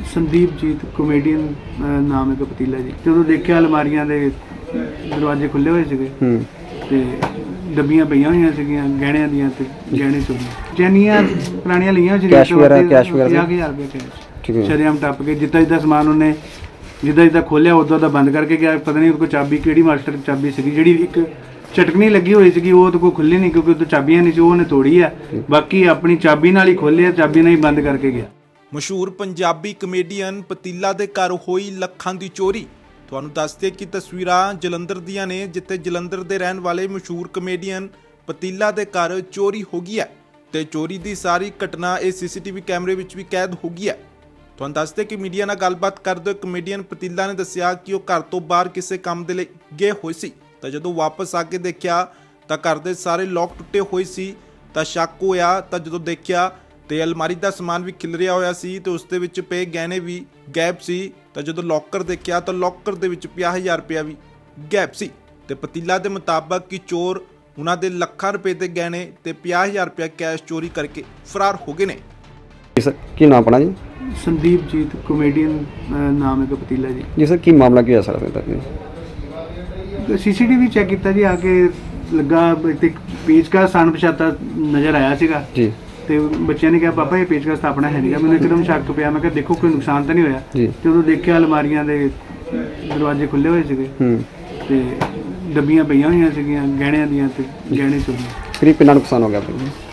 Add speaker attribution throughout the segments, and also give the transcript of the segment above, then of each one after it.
Speaker 1: ਸੰਦੀਪਜੀਤ comedian ਨਾਮ ਹੈ ਕਪਤੀਲਾ ਜੀ। ਜਦੋਂ ਦੇਖਿਆ ਅਲਮਾਰੀਆਂ ਦੇ ਦਰਵਾਜ਼ੇ ਖੁੱਲੇ ਹੋਏ ਸੀਗੇ ਤੇ ਡੱਬੀਆਂ ਪਈਆਂ ਹੋਈਆਂ ਸੀਗੀਆਂ ਗਹਿਣਿਆਂ ਦੀਆਂ ਤੇ ਗਹਿਣੇ ਚੋਰੀ ਚੈਨੀਆਂ ਪੁਰਾਣੀਆਂ ਲਈਆਂ ਸੀ
Speaker 2: ਕੈਸ਼ ਵਗੈਰਾ
Speaker 1: 50,000 ਰੁਪਏ ਕੈਸ਼ ਸ਼ਰੇਆਮ ਟੱਪ ਕੇ ਜਿੱਦਾਂ ਸਮਾਨ ਉਹਨੇ ਜਿੱਦਾਂ ਖੋਲਿਆ ਉਦੋਂ ਦਾ ਬੰਦ ਕਰਕੇ ਗਿਆ। ਪਤਾ ਨਹੀਂ ਉਹਦੇ ਕੋਲ ਚਾਬੀ ਕਿਹੜੀ ਮਾਸਟਰ ਚਾਬੀ ਸੀਗੀ ਜਿਹੜੀ ਇੱਕ ਚਟਕਣੀ ਲੱਗੀ ਹੋਈ ਸੀਗੀ ਉਹ ਉਹਦੇ ਕੋਲ ਖੁੱਲੀ ਨਹੀਂ ਕਿਉਂਕਿ ਉਹਦੇ ਚਾਬੀਆਂ ਨਹੀਂ ਸੀ ਉਹਨੇ ਤੋੜੀ ਆ। ਬਾਕੀ ਆਪਣੀ ਚਾਬੀ ਨਾਲ ਹੀ ਖੋਲਿਆ ਚਾਬੀ ਨਾਲ ਹੀ ਬੰਦ ਕਰਕੇ ਗਿਆ।
Speaker 3: ਮਸ਼ਹੂਰ ਪੰਜਾਬੀ ਕਮੇਡੀਅਨ ਪਤੀਲਾ ਦੇ ਘਰ ਹੋਈ ਲੱਖਾਂ ਦੀ ਚੋਰੀ। ਤੁਹਾਨੂੰ ਦੱਸਦੇ ਕਿ ਤਸਵੀਰਾਂ ਜਲੰਧਰ ਦੀਆਂ ਨੇ ਜਿੱਥੇ ਜਲੰਧਰ ਦੇ ਰਹਿਣ ਵਾਲੇ ਮਸ਼ਹੂਰ ਕਮੇਡੀਅਨ ਪਤੀਲਾ ਦੇ ਘਰ ਚੋਰੀ ਹੋ ਗਈ ਹੈ ਤੇ ਚੋਰੀ ਦੀ ਸਾਰੀ ਘਟਨਾ ਇਹ ਸੀਸੀਟੀਵੀ ਕੈਮਰੇ ਵਿੱਚ ਵੀ ਕੈਦ ਹੋ ਗਈ ਹੈ। ਤੁਹਾਨੂੰ ਦੱਸਦੇ ਕਿ ਮੀਡੀਆ ਨਾਲ ਗੱਲਬਾਤ ਕਰਦੇ ਹੋਏ ਕਮੇਡੀਅਨ ਪਤੀਲਾ ਨੇ ਦੱਸਿਆ ਕਿ ਉਹ ਘਰ ਤੋਂ ਬਾਹਰ ਕਿਸੇ ਕੰਮ ਦੇ ਲਈ ਗਏ ਹੋਏ ਸੀ ਤਾਂ ਜਦੋਂ ਵਾਪਸ ਆ ਕੇ ਦੇਖਿਆ ਤਾਂ ਘਰ ਦੇ ਸਾਰੇ ਲੋਕ ਟੁੱਟੇ ਹੋਏ ਸੀ ਤਾਂ ਸ਼ੱਕ ਹੋਇਆ ਤਾਂ ਜਦੋਂ ਦੇਖਿਆ ਤੇ ਅਲਮਾਰੀ ਦਾ ਸਮਾਨ ਵੀ ਖਿਲਰਿਆ ਹੋਇਆ ਸੀ ਤੇ ਉਸ ਦੇ ਵਿੱਚ ਪਏ ਗਹਿਣੇ ਵੀ ਗਾਇਬ ਸੀ ਤਾਂ ਜਦੋਂ ਲੋਕਰ ਦੇਖਿਆ ਤਾਂ ਲੋਕਰ ਦੇ ਵਿੱਚ 50,000 ਰੁਪਇਆ ਵੀ ਗਾਇਬ ਸੀ ਤੇ ਪਤੀਲਾ ਦੇ ਮੁਤਾਬਕ ਕਿ ਚੋਰ ਉਹਨਾਂ ਦੇ ਲੱਖਾਂ ਰੁਪਏ ਦੇ ਗਹਿਣੇ ਤੇ 50,000 ਰੁਪਇਆ ਕੈਸ਼ ਚੋਰੀ ਕਰਕੇ ਫਰਾਰ ਹੋ ਗਏ ਨੇ।
Speaker 2: ਸਰ ਕੀ ਨਾਮ ਆਪਣਾ ਜੀ?
Speaker 1: ਸੰਦੀਪਜੀਤ ਕਮੇਡੀਅਨ ਨਾਮ ਹੈ ਕਪਤੀਲਾ ਜੀ।
Speaker 2: ਜੀ ਸਰ ਕੀ ਮਾਮਲਾ ਕੀ ਹੈ ਸਰ?
Speaker 1: ਸੀਸੀਟੀਵੀ ਚੈੱਕ ਕੀਤਾ ਜੀ ਆ ਕੇ ਲੱਗਾ ਇੱਕ ਪੇਚਕਸ ਅਣਪਛਾਤਾ ਨਜ਼ਰ ਆਇਆ ਸੀਗਾ ਜੀ ਤੇ ਬੱਚਿਆਂ ਨੇ ਕਿਹਾ ਪਾਪਾ ਇਹ ਪੇਚਕਸ ਤਾਂ ਆਪਣਾ ਹੈ ਨਹੀਂਗਾ। ਮੈਨੂੰ ਇੱਕਦਮ ਸ਼ੱਕ ਪਿਆ। ਮੈਂ ਕਿਹਾ ਦੇਖੋ ਕੋਈ ਨੁਕਸਾਨ ਤਾਂ ਨਹੀਂ ਹੋਇਆ। ਜਦੋਂ ਦੇਖਿਆ ਅਲਮਾਰੀਆਂ ਦੇ ਦਰਵਾਜ਼ੇ ਖੁੱਲੇ ਹੋਏ ਸੀਗੇ ਤੇ ਡੱਬੀਆਂ ਪਈਆਂ ਹੋਈਆਂ ਸੀਗੀਆਂ ਗਹਿਣਿਆਂ ਦੀਆਂ ਤੇ ਗਹਿਣੇ ਚੋਰੀ।
Speaker 2: ਕਰੀਬ ਕਿੰਨਾ ਨੁਕਸਾਨ ਹੋ ਗਿਆ?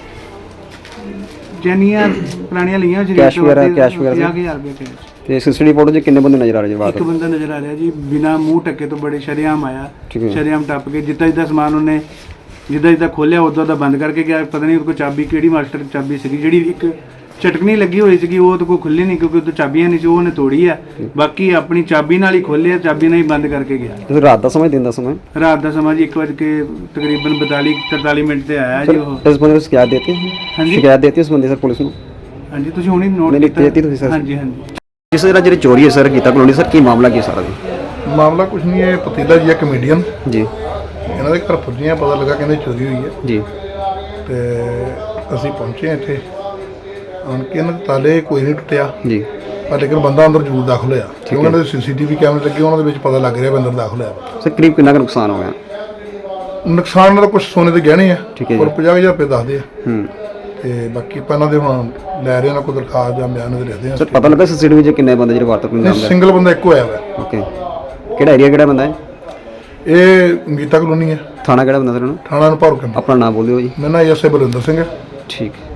Speaker 1: ਚੈਨੀਆਂ ਪੁਰਾਣੀਆਂ ਲਈਆਂ ਸੀ
Speaker 2: ਕੈਸ਼ ਵਗੈਰਾ
Speaker 1: 50,000 ਰੁਪਏ ਕੈਸ਼।
Speaker 2: ਤੇ ਸੀਸੀਟੀਵੀ ਫੋਟੋ 'ਚ ਕਿੰਨੇ ਬੰਦੇ ਨਜ਼ਰ ਆ ਰਹੇ ਜੀ ਬਾਹਰ?
Speaker 1: ਇੱਕ ਬੰਦਾ ਨਜ਼ਰ ਆ ਰਿਹਾ ਜੀ ਬਿਨਾ ਮੂੰਹ ਢੱਕੇ ਤੋਂ ਬੜੇ ਸ਼ਰੇਆਮ ਆਇਆ ਸ਼ਰੇਆਮ ਟੱਪ ਕੇ ਜਿੱਦਾਂ ਸਮਾਨ ਉਹਨੇ ਜਿੱਦਾਂ ਖੋਲਿਆ ਉਦੋਂ ਦਾ ਬੰਦ ਕਰਕੇ ਗਿਆ। ਪਤਾ ਨਹੀਂ ਉਹਦੇ ਕੋਲ ਚਾਬੀ ਕਿਹੜੀ ਮਾਸਟਰ ਚਾਬੀ ਸੀਗੀ ਜਿਹੜੀ ਇੱਕ ਚਟਕਣੀ ਲੱਗੀ ਹੋਈ ਸੀਗੀ ਉਹ ਉਹਦੇ ਕੋਲ ਖੁੱਲੀ ਨਹੀਂ ਕਿਉਂਕਿ ਉਹਦੇ ਚਾਬੀਆਂ ਨਹੀਂ ਸੀ ਉਹਨੇ ਤੋੜੀ ਆ। ਬਾਕੀ ਆਪਣੀ ਚਾਬੀ ਨਾਲ ਹੀ ਖੋਲਿਆ ਚਾਬੀ ਨਾਲ ਹੀ ਬੰਦ ਕਰਕੇ ਗਿਆ।
Speaker 2: ਤੁਸੀਂ ਰਾਤ ਦਾ ਸਮਾਂ ਦਿਨ ਦਾ ਸਮਾਂ?
Speaker 1: ਰਾਤ ਦਾ ਸਮਾਂ ਜੀ 1 ਵਜੇ ਕੇ ਤਕਰੀਬਨ 43 ਮਿੰਟ ਤੇ ਆਇਆ ਜੀ ਉਹ।
Speaker 2: ਇਸ ਬੰਦੇ ਨੂੰ ਸ਼ਿਕਾਇਤ ਦੇਤੀ? ਹਾਂਜੀ ਸ਼ਿਕਾਇਤ ਦੇਤੀ ਉਸ ਬੰਦੇ ਸਰ ਪੁਲਿਸ ਨੂੰ?
Speaker 1: ਹਾਂਜੀ ਤੁਸੀਂ ਹੁਣੀ ਨੋਟ
Speaker 2: ਕੀਤੀ ਤੁਸੀਂ ਸਰ?
Speaker 1: ਹਾਂਜੀ ਹਾਂਜੀ।
Speaker 2: ਜਿਸ ਤਰ੍ਹਾਂ ਜਿਹੜੀ ਚੋਰੀ ਹੈ ਸਰ ਕੀਤਾ ਕਲੋਨੀ ਸਰ ਕੀ ਮਾਮਲਾ ਕੀ ਸਾਰਾ ਜੀ?
Speaker 4: ਮਾਮਲਾ ਕੁਛ ਨਹੀਂ ਹੈ। ਪਤੀਲਾ ਜੀ ਹੈ ਕਮੇਡੀਅਨ
Speaker 2: ਜੀ।
Speaker 4: ਇਹਨਾਂ ਦੇ ਘਰ ਪੁੱਜੀਆਂ ਪਤਾ ਲੱਗਾ ਕਹਿੰਦੇ ਚੋਰੀ ਹੋਈ ਹੈ
Speaker 2: ਜੀ
Speaker 4: ਤੇ ਅਸੀਂ ਪਹੁੰਚੇ ਇੱਥੇ ਆਣ ਕੇ ਇਹਨਾਂ ਦੇ ਤਾਲੇ ਕੋਈ ਨਹੀਂ ਟੁੱਟਿਆ ਜੀ ਪਰ ਲੇਕਿਨ ਬੰਦਾ ਅੰਦਰ ਜ਼ਰੂਰ ਦਾਖਲ ਹੋਇਆ ਕਿਉਂਕਿ ਉਹਨਾਂ ਦੇ ਸੀਸੀਟੀਵੀ ਕੈਮਰੇ ਲੱਗੇ ਉਹਨਾਂ ਦੇ ਵਿੱਚ ਪਤਾ ਲੱਗ ਰਿਹਾ ਵੀ ਅੰਦਰ ਦਾਖਲ ਹੋਇਆ।
Speaker 2: ਸਰ ਕਰੀਬ ਕਿੰਨਾ ਕੁ ਨੁਕਸਾਨ ਹੋ ਗਿਆ?
Speaker 4: ਨੁਕਸਾਨ ਨਾਲ ਕੁਝ ਸੋਨੇ ਦੇ ਗਹਿਣੇ ਆ ਔਰ 50,000 ਰੁਪਏ ਦੱਸਦੇ ਆ ਤੇ ਬਾਕੀ ਆਪਾਂ ਇਹਨਾਂ ਦੇ ਹੁਣ ਲੈ ਰਹੇ ਇਹਨਾਂ ਕੋਲ ਦਰਖਾਸਤ ਜਾਂ ਬਿਆਨ ਦੇ ਰੱਖਦੇ ਆ।
Speaker 2: ਸਰ ਪਤਾ ਲੱਗਾ ਸੀਸੀਟੀਵੀ 'ਚ ਕਿੰਨੇ ਬੰਦੇ ਜਿਹੜੇ ਵਾਰਤਕ ਨੂੰ
Speaker 4: ਸਿੰਗਲ ਬੰਦਾ ਇੱਕੋ ਆਇਆ ਵਾ।
Speaker 2: ਓਕੇ ਕਿਹੜਾ ਏਰੀਆ ਕਿਹੜਾ ਬੰਦਾ ਹੈ?
Speaker 4: ਇਹ ਗੀਤਾ ਕਲੋਨੀ ਹੈ।
Speaker 2: ਥਾਣਾ ਕਿਹੜਾ ਬੰਦਾ ਸਰ?
Speaker 4: ਥਾਣਾ ਨੂੰ ਭਰ ਕੇ
Speaker 2: ਆਪਣਾ ਨਾਮ ਬੋਲਿਓ ਜੀ।
Speaker 4: ਮੇਰਾ ਨਾਮ ਐਸਏ ਬਲਵਿੰਦਰ ਸਿੰਘ ਹੈ।
Speaker 2: ਠੀਕ।